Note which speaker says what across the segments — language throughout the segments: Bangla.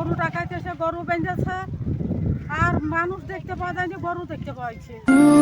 Speaker 1: গরু ডাকাইতে এসে গরু বেঁধেছে, আর মানুষ দেখতে পাওয়া যায়নি, গরু দেখতে পাওয়াছে।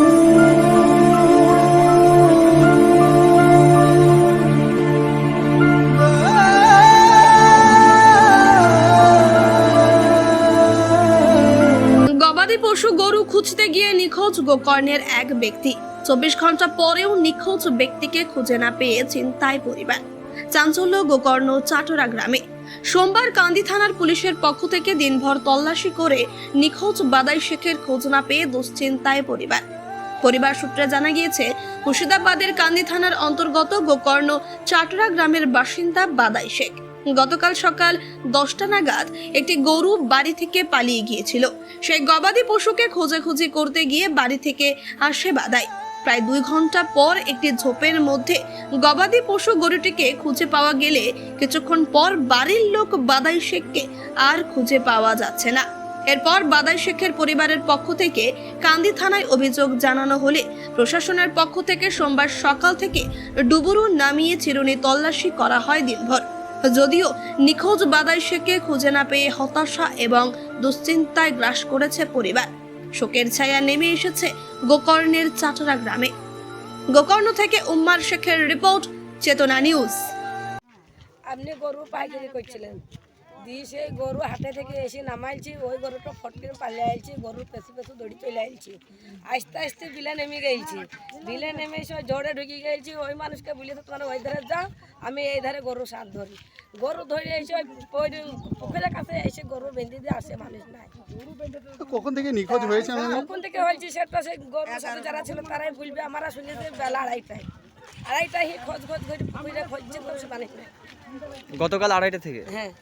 Speaker 2: গবাদি পশু গরু খুঁজতে গিয়ে নিখোঁজ গোকর্ণের এক ব্যক্তি। 24 ঘন্টা পরেও নিখোঁজ ব্যক্তিকে খুঁজে না পেয়ে চিন্তায় পরিবার। চাঞ্চল্য গোকর্ণ চাটরা গ্রামে। সোমবার কান্দি থানার পুলিশের পক্ষ থেকে দিনভর তল্লাশি করে নিখোঁজ বাদাই শেখের খোঁজ না পেয়ে দুশ্চিন্তায় পরিবার সূত্রে জানা গিয়েছে, মুর্শিদাবাদের কান্দি থানার অন্তর্গত গোকর্ণ চাটরা গ্রামের বাসিন্দা বাদাই শেখ গতকাল সকাল 10টা নাগাদ একটি গরু বাড়ি থেকে পালিয়ে গিয়েছিল। সেই গবাদি পশুকে খোঁজাখুঁজি করতে গিয়ে বাড়ি থেকে আসে বাদাই। প্রায় 2 ঘন্টা পর একটি ঝোপের মধ্যে গবাদি পশু গরুটিকে খুঁজে পাওয়া গেলে কিছুক্ষণ পর বাড়ির লোক বাদাই শেখকে আর খুঁজে পাওয়া যাচ্ছে না। এরপর বাদাই শেখের পরিবারের পক্ষ থেকে কান্দি থানায় অভিযোগ জানানো হলে প্রশাসনের পক্ষ থেকে সোমবার সকাল থেকে ডুবুরু নামিয়ে চিরুনি তল্লাশি করা হয় দিনভর। যদিও নিখোঁজ বাদাই শেখকে খুঁজে না পেয়ে হতাশা এবং দুশ্চিন্তায় গ্রাস করেছে পরিবার। শোকের ছায়া নেমে এসেছে গোকর্ণের চাটরা গ্রামে। গোকর্ণ থেকে উম্মার শেখের রিপোর্ট, চেতনা নিউজ।
Speaker 3: আপনি গরু পাইকারি করছিলেন, দিয়ে সেই গরু হাটে থেকে এসে নামাইছি, ওই গরুটা ফটকে পালিয়ে আইছি, গরুর পেছু পেছু দড়ি চলে আইছি। আস্তে আস্তে বিলে নেমে গেছি, বিলে নেমে এসে ওই জোরে ঢুকে গেছি। ওই মানুষকে বলেছে তোমার ওই ধারে যাও, আমি এই ধারে গরু সাথ ধরি। গরু ধরে এসে ওই পুকুরের কাছে এসে গরু বেঁধে দিয়ে আসে, মানুষ নাই।
Speaker 4: কখন থেকে নিখোঁজ হয়েছে?
Speaker 3: কখন থেকে হয়েছে সেটা সেই গরুর সাথে যারা ছিল তারাই বলবে। আমরা শুনেছি বেলা আড়াইটায় খোঁজ করে পুকুরে খুঁজছে, তো সে মানুষ নাই।
Speaker 5: গতকাল 2:30 থেকে?
Speaker 3: হ্যাঁ,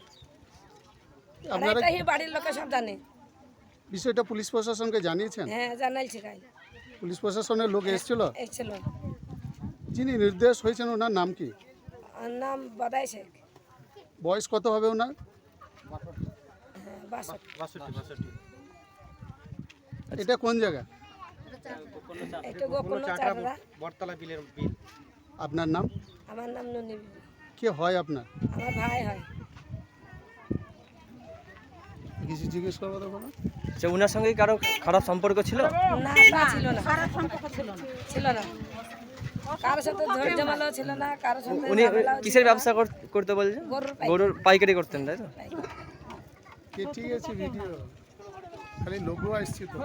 Speaker 4: আপনারা
Speaker 3: বাড়ির লোকের সব জানে।
Speaker 4: বিষয়টা পুলিশ প্রশাসনকে জানিয়েছেন?
Speaker 3: হ্যাঁ, জানাইছি।
Speaker 4: পুলিশ প্রশাসনের লোক এসেছিল?
Speaker 3: এসেছিল।
Speaker 4: যিনি নির্দেশ হয়েছেন ওনার নাম কি?
Speaker 3: ওর নাম বাদাই শেখ।
Speaker 4: বয়স কত হবে ওনার?
Speaker 3: হ্যাঁ, 62।
Speaker 4: এটা কোন জায়গা?
Speaker 3: এটা গোকর্ণ চাটরা।
Speaker 4: আপনার নাম?
Speaker 3: আমার নাম ননি বিবি।
Speaker 4: কে হয় আপনার?
Speaker 3: আমার ভাই হয়।
Speaker 4: কিছু জিজ্ঞেস করবো তো বলো।
Speaker 5: আচ্ছা, ওনার সঙ্গে কারো খারাপ সম্পর্ক ছিল?
Speaker 3: না, তা ছিল না। খারাপ সম্পর্ক ছিল না। কারোর সাথে ঝড় ঝামেলাও ছিল না, কারোর সাথে
Speaker 5: উনি
Speaker 3: ঝামেলাও
Speaker 5: কিসের
Speaker 3: ছিল না।
Speaker 5: ব্যবসা করতে বলছেন? গরুর পাইকারি করতেন, তাই তো?
Speaker 4: কে ঠিক আছে ভিডিও খালি লোগো আসছে তো।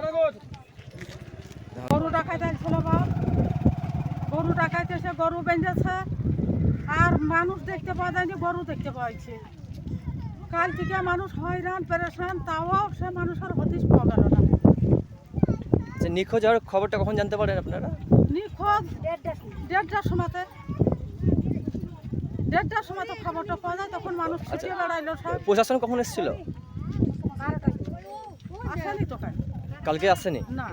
Speaker 1: গরু ডাকাইতে ছিল বাপ, গরু ডাকাইতে এসে গরু বেঁধেছে, আর মানুষ দেখতে পাওয়া যায়নি, গরু দেখতে পাওয়াছে। কাল থেকে মানুষ হয়রান পেরেশান, তাও সে মানুষের হদিশ পাওয়া গেল না।
Speaker 5: আচ্ছা, নিখোঁজ হওয়ার খবরটা কখন জানতে পারেন আপনারা?
Speaker 1: নিখোঁজ 1:30টার সময়তে, 1:30টার সময় তো খবরটা পাওয়া যায়, তখন মানুষ ছুটিয়ে বেড়াইলো সব।
Speaker 5: প্রশাসন কখন এসেছিল?
Speaker 1: আসেনি তো কাল।
Speaker 5: কালকে আসেনি?
Speaker 1: না,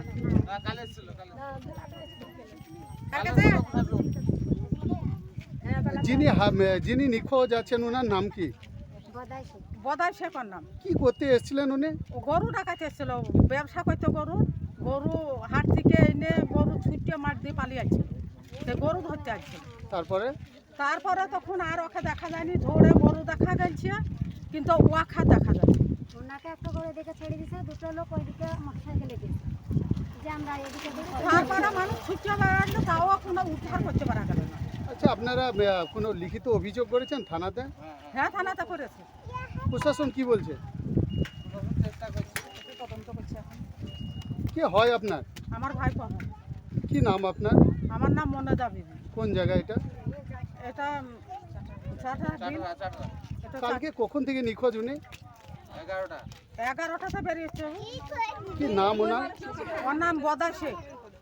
Speaker 4: যিনি নিখোঁজ আছেন ওনার নাম কি?
Speaker 1: বদাই শেখর নাম।
Speaker 4: কি করতে এসেছিলেন উনি?
Speaker 1: ও গরু ডাকাইতে এসেছিল, ব্যবসা করতে গরু হাট থেকে এনে গরু ছুটিয়ে মাঠ দিয়ে পালিয়ে আসছিল, সে গরু ধরতে আসছিল। তারপরে তখন আর ওকে দেখা যায়নি, ধরে গরু দেখা গেছে, কিন্তু ওয়াখা দেখা যাচ্ছে।
Speaker 6: ওনাকে একটা করে দেখে ছেড়ে দিয়েছে, দুটো লোক ওইদিকে মোটরসাইকেলে গেছে, যে আমরা এদিকে
Speaker 1: তারপরে মানুষ ছুটিয়ে বেড়ালো, তাও কোনো উদ্ধার করতে পারা গেল না।
Speaker 4: আচ্ছা, আপনারা কোনো লিখিত অভিযোগ করেছেন থানাতে?
Speaker 1: হ্যাঁ, থানাতে করেছে।
Speaker 4: প্রশাসন কি বলছে?
Speaker 1: তদন্ত করছে এখন।
Speaker 4: কে হয় আপনার?
Speaker 1: আমার ভাই পান।
Speaker 4: কি নাম আপনার?
Speaker 1: আমার নাম মনেদা বিবি।
Speaker 4: কোন জায়গা এটা?
Speaker 1: এটা
Speaker 4: কালকে কখন থেকে নিখোঁজ উনি?
Speaker 1: 11টাতে বেরিয়েছে।
Speaker 4: কি নাম ওনার?
Speaker 1: ওর নাম বদাই শেখ।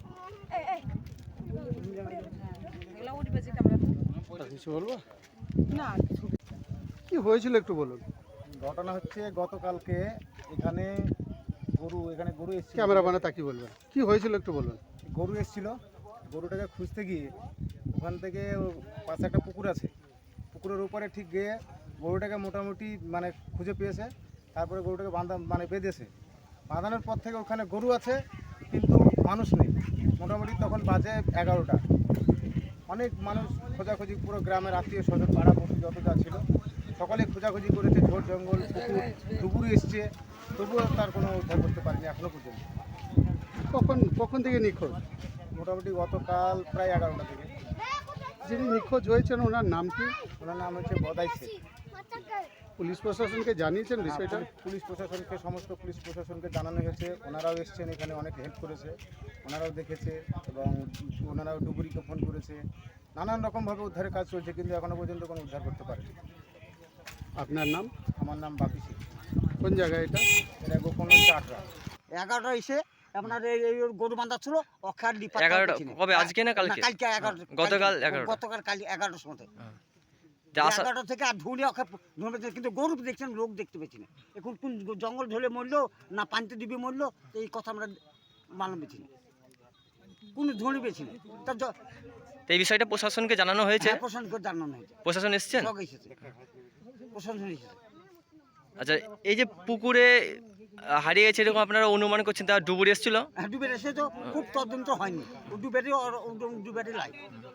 Speaker 4: কিছু বলবো
Speaker 1: না,
Speaker 4: কি হয়েছিল একটু বলুন।
Speaker 7: ঘটনা হচ্ছে গতকালকে এখানে গরু এসেছিল।
Speaker 4: ক্যামেরাম্যানে তাকি বলবেন কি হয়েছিল একটু বলুন।
Speaker 7: গরু এসেছিল, গরুটাকে খুঁজতে গিয়ে ওখান থেকে পাশে একটা পুকুর আছে, পুকুরের উপরে ঠিক গিয়ে গরুটাকে মোটামুটি খুঁজে পেয়েছে। তারপরে গরুটাকে বেঁধেছে। বাঁধানোর পর থেকে ওখানে গরু আছে কিন্তু মানুষ নেই। মোটামুটি তখন বাজে 11টা। অনেক মানুষ খোঁজাখুঁজি, পুরো গ্রামের আত্মীয় স্বজন পাড়া পড়শি যত যা ছিল সকলে খোঁজাখুঁজি করেছে, ঝোড় জঙ্গল পুকুর ডুবুরি এসছে, তবুও তার কোনো উদ্ধার করতে পারেনি এখনো পর্যন্ত।
Speaker 4: কখন থেকে নিখোঁজ?
Speaker 7: মোটামুটি গতকাল প্রায় 11টা থেকে।
Speaker 4: যিনি নিখোঁজ হয়েছেন ওনার নাম কি?
Speaker 7: ওনার নাম হচ্ছে বদাই শেখ।
Speaker 4: পুলিশ প্রশাসনকে জানিয়েছেন বিষয়টা?
Speaker 7: পুলিশ প্রশাসনকে, সমস্ত পুলিশ প্রশাসনকে জানানো হয়েছে। ওনারাও এসছেন এখানে, অনেক হেল্প করেছে, ওনারাও দেখেছে এবং ওনারাও ডুবুরিকে ফোন করেছে। নানান রকমভাবে উদ্ধারের কাজ চলছে, কিন্তু এখনো পর্যন্ত কোনো উদ্ধার করতে পারেনি।
Speaker 4: আপনার নাম?
Speaker 7: আমার নাম বাপি শেখ।
Speaker 4: কোন জায়গায় এটা?
Speaker 7: এটা গোপন চাটরা।
Speaker 8: 11টা এসে আপনার এই ওর গরু বাঁধা ছিল অক্ষার লিপা
Speaker 5: 11টা কবে, আজকে না কালকে?
Speaker 8: কালকে 11
Speaker 5: গতকাল 11টা।
Speaker 8: গতকাল কাল 11টার সময়।
Speaker 5: তা আসা-
Speaker 8: 11টা থেকে আর ধুলে অক্ষার ধরে, কিন্তু গরু দেখছেন, লোক দেখতে পেয়েছি না। এখন কোন জঙ্গল ঢলে মরলো না পানিতে ডুবে মরলো এই কথা আমরা মালুম পেয়েছি না, কোনো ধরে পেয়েছি না। তার
Speaker 5: তো এই বিষয়টা প্রশাসনকে জানানো হয়েছে?
Speaker 8: প্রশাসন করে জানানো হয়েছে,
Speaker 5: প্রশাসন এসছেন?
Speaker 8: সব এসেছে, প্রশাসন এসেছে।
Speaker 5: আচ্ছা, এই যে পুকুরে হারিয়ে গেছে এরকম আপনারা অনুমান করছেন, তার ডুবুরি এসেছিল?
Speaker 8: হ্যাঁ, ডুবে এসে তো খুব তদন্ত হয়নি, ও ডুবেরই লাই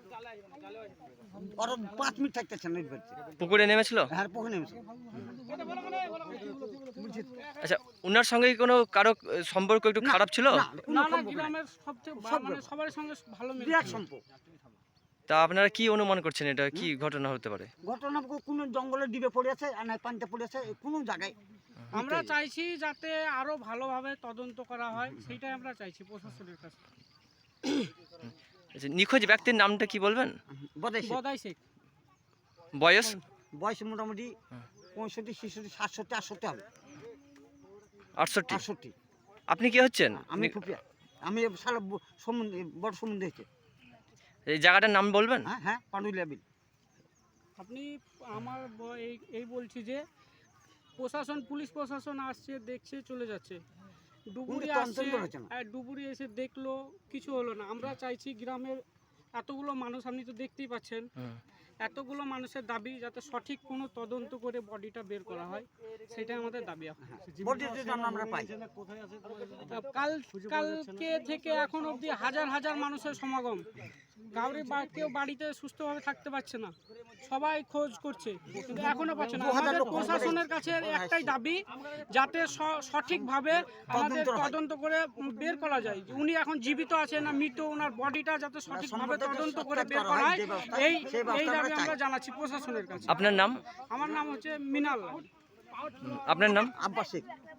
Speaker 8: ওরা 5 মিনিট থাকতেছে না ডুবেতে।
Speaker 5: পুকুরে নেমেছিল?
Speaker 8: হ্যাঁ, পুকুরে নেমেছে।
Speaker 5: আচ্ছা, ওনার সঙ্গে কি কোনো কারো সম্পর্ক একটু খারাপ ছিল?
Speaker 8: না, কোনো
Speaker 1: না
Speaker 8: সম্পর্ক নাই।
Speaker 1: গ্রামের সবচেয়ে মানে সবার সঙ্গে ভালো মিল।
Speaker 8: বিরাট সম্পর্ক।
Speaker 5: তা আপনারা কি অনুমান করছেন, এটা কি ঘটনা হতে পারে?
Speaker 8: ঘটনা কোনো জঙ্গলে ডিবে পড়ে আছে আর নাই পানিতে পড়ে আছে, কোনো জায়গায়।
Speaker 1: আমরা চাইছি যাতে আরো ভালোভাবে তদন্ত করা হয়, সেটাই আমরা চাইছি প্রশাসনের কাছে।
Speaker 5: আচ্ছা, নিখোঁজ ব্যক্তির নামটা কি বলবেন?
Speaker 8: বদাইছে
Speaker 1: বদাই শেখ।
Speaker 5: বয়স?
Speaker 8: বয়স মোটামুটি 65, 66, 67, 68 হবে।
Speaker 5: 68।
Speaker 8: 68।
Speaker 5: আপনি কি হচ্ছেন?
Speaker 8: আমি ফুপিয়া, আমি সারা সমুদ্রে বড় সমুদ্রে হয়েছে।
Speaker 5: এই জায়গাটার নাম বলবেন?
Speaker 8: হ্যাঁ হ্যাঁ, পান্ডুলিয়া বিল।
Speaker 1: আপনি আমার এই বলছি যে প্রশাসন, পুলিশ প্রশাসন আসছে, দেখছে, চলে যাচ্ছে। ডুবুরি
Speaker 8: কিন্তু
Speaker 1: আসছে,
Speaker 8: তদন্ত হচ্ছে না।
Speaker 1: আর ডুবুরি এসে দেখলো, কিছু হলো না। আমরা চাইছি গ্রামের এতগুলো মানুষ, আপনি তো দেখতেই পাচ্ছেন, এতগুলো মানুষের দাবি যাতে সঠিক কোনো তদন্ত করে বডিটা বের করা হয়, সেটাই আমাদের দাবি এখন।
Speaker 8: বডিতে যেন আমরা পাই।
Speaker 1: কালকে থেকে এখন অবধি হাজার হাজার মানুষের সমাগম। কেউ বাড়িতে সুস্থভাবে থাকতে পারছে না, সবাই খোঁজ করছে কিন্তু এখনো পাচ্ছে না। আমাদের প্রশাসনের কাছে একটাই দাবি, যাতে সঠিকভাবে আমাদের তদন্ত করে বের করা যায় যে উনি এখন জীবিত আছে না মৃত, ওনার বডিটা যাতে সঠিকভাবে তদন্ত করে বের করা হয়, এই দাবি আমরা জানাচ্ছি প্রশাসনের কাছে।
Speaker 5: আপনার নাম?
Speaker 1: আমার নাম হচ্ছে মিনাল।
Speaker 5: আপনার নাম?
Speaker 8: আব্বাস শেখ।